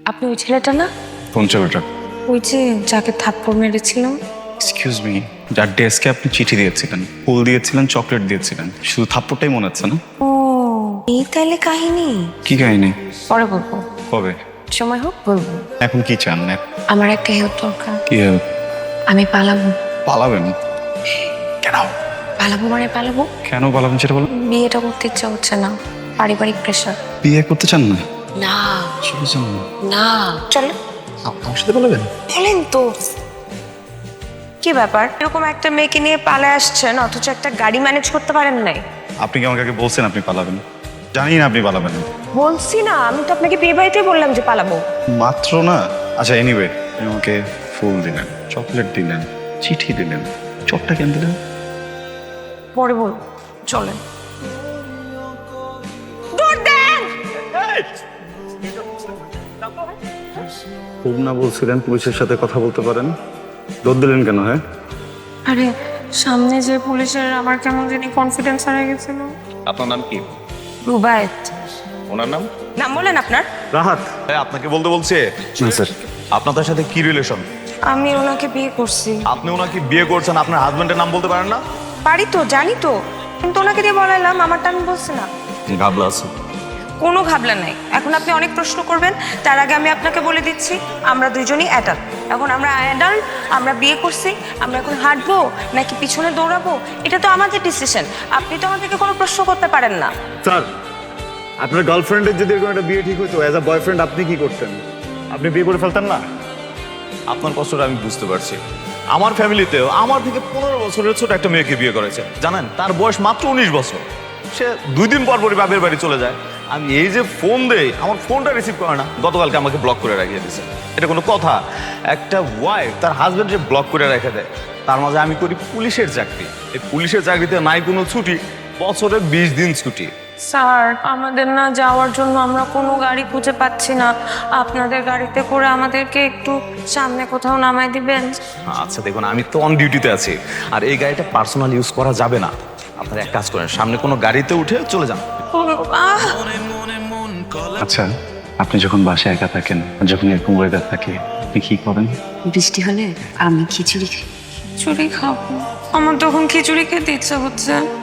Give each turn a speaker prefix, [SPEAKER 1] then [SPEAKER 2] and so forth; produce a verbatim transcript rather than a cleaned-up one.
[SPEAKER 1] আপনি ওই ছেলেটা না?
[SPEAKER 2] কোন ছেলেটা?
[SPEAKER 1] ওই যে যাকে থাপ্পড় মেরেছিলাম।
[SPEAKER 2] এক্সকিউজ মি, যার ডেস্কে আপনি চিঠি দিয়েছিলেন, ফুল দিয়েছিলেন, চকলেট দিয়েছিলেন, শুধু থাপ্পড়টাই মনে হচ্ছে না?
[SPEAKER 1] ও এই তাইলে কাহিনী।
[SPEAKER 2] কি কাহিনী?
[SPEAKER 1] পরে বলবো,
[SPEAKER 2] কবে?
[SPEAKER 1] সময় হোক বলবো।
[SPEAKER 2] এখন কি চান?
[SPEAKER 1] আমার একটা হেল্প দরকার।
[SPEAKER 2] কি help?
[SPEAKER 1] আমি পালাবো।
[SPEAKER 2] পালাবেন? কেন?
[SPEAKER 1] পালাবো মানে পালাবো।
[SPEAKER 2] কেন পালাবেন সেটা বলুন।
[SPEAKER 1] বিয়েটা করতে ইচ্ছা হচ্ছে না, পারিবারিক প্রেশার।
[SPEAKER 2] বিয়ে করতে চান না?
[SPEAKER 1] না
[SPEAKER 2] সেটা চান না?
[SPEAKER 1] না চলো।
[SPEAKER 2] আমার সাথে পালাবেন?
[SPEAKER 1] বলেন তো কি ব্যাপার, এরকম একটা মেয়েকে নিয়ে পালায় আসছেন অথচ একটা গাড়ি ম্যানেজ করতে পারেন নাই?
[SPEAKER 2] আপনি কি আমাকে আগে বলছেন আপনি পালাবেন? জানি না আপনি পালাবেন না।
[SPEAKER 1] বলছি না, আমি তো আপনাকে বিয়ে বাড়িতেই বললাম যে পালাবো।
[SPEAKER 2] মাত্র না। আচ্ছা এনিওয়ে, আপনি আমাকে ফুল দিলেন, চকলেট দিলেন, চিঠি দিলেন, চটটা কেন দিলেন?
[SPEAKER 1] পরে বলবো, চলেন। দৌড় দেন।
[SPEAKER 2] খুব না বলছিলেন পুলিশের সাথে কথা বলতে পারেন, দৌড় দিলেন কেন? হ্যাঁ
[SPEAKER 1] আরে সামনে যে পুলিশের আমার কেমন জানি কনফিডেন্স হারিয়ে গেছিল।
[SPEAKER 3] আপনার নাম কি?
[SPEAKER 1] রুবায়েত।
[SPEAKER 3] ওনার নাম?
[SPEAKER 1] নাম বলেন আপনার।
[SPEAKER 2] রাহাত।
[SPEAKER 3] হ্যাঁ, আপনাকে বলতে বলছে।
[SPEAKER 2] না স্যার।
[SPEAKER 3] আপনাদের সাথে কি রিলেশন?
[SPEAKER 1] আমি ওনাকে বিয়ে করছি।
[SPEAKER 3] আপনি ওনাকে বিয়ে করছেন, আপনার হাজবেন্ডের নাম বলতে পারেন না?
[SPEAKER 1] পারি তো, জানি তো, কিন্তু ওনাকে দিয়ে বলাইলাম, আমারটা আমি বলছি না।
[SPEAKER 3] গাবলা আছে।
[SPEAKER 1] কোনো ঘাবলা নাই। এখন আপনি অনেক প্রশ্ন করবেন, তার আগে আমি আপনাকে বলে দিচ্ছি আমরা দুইজনই অ্যাডাল্ট। এখন আমরা অ্যাডাল্ট, আমরা বিয়ে করছি, আমরা এখন হাঁটবো নাকি পিছনে দৌড়াবো এটা তো আমাদের ডিসিশন। আপনি তো আমাদেরকে কোনো প্রশ্ন করতে পারেন না।
[SPEAKER 4] স্যার, আপনার গার্লফ্রেন্ডের যদি এরকম একটা বিয়ে ঠিক হতো, অ্যাজ আ বয়ফ্রেন্ড আপনি কি করতেন? আপনি বিয়ে করে ফেলতেন না?
[SPEAKER 3] আপনার কষ্টটা আমি বুঝতে পারছি। আমার ফ্যামিলিতেও আমার থেকে পনেরো বছরের ছোট একটা মেয়েকে বিয়ে করেছে, জানেন? তার বয়স মাত্র উনিশ বছর। সে দুই দিন পর পরই বাপের বাড়ি চলে যায়। আমি এই যে ফোন দেই, আমার ফোনটা রিসিভ করে না। গতকালকে আমাকে ব্লক করে রাখিয়ে দিয়েছে। এটা কোনো কথা? একটা ওয়াইফ তার হাজবেন্ডকে ব্লক করে রেখে দেয়। তার মাঝে আমি করি পুলিশের চাকরি। এই পুলিশের চাকরিতে নাই কোনো ছুটি, বছরে বিশ দিন ছুটি।
[SPEAKER 1] স্যার, আমাদের না যাওয়ার জন্য আমরা কোনো গাড়ি খুঁজে পাচ্ছি না। আপনাদের গাড়িতে করে আমাদেরকে একটু সামনে কোথাও নামাই দিবেন?
[SPEAKER 3] আচ্ছা দেখুন, আমি তো অন ডিউটিতে আছি, আর এই গাড়িটা পার্সোনাল ইউজ করা যাবে না। আপনারা এক কাজ করেন, সামনে কোনো গাড়িতে উঠে চলে যান।
[SPEAKER 1] আহ!
[SPEAKER 2] আচ্ছা, আপনি যখন বাসায় একা থাকেন, যখন এরকম ওয়েদার থাকে, আপনি কি করেন?
[SPEAKER 5] বৃষ্টি হলে আমি খিচুড়ি খাই।
[SPEAKER 1] খিচুড়ি খাবো? আমার তখন খিচুড়ি খেতে ইচ্ছা হচ্ছে।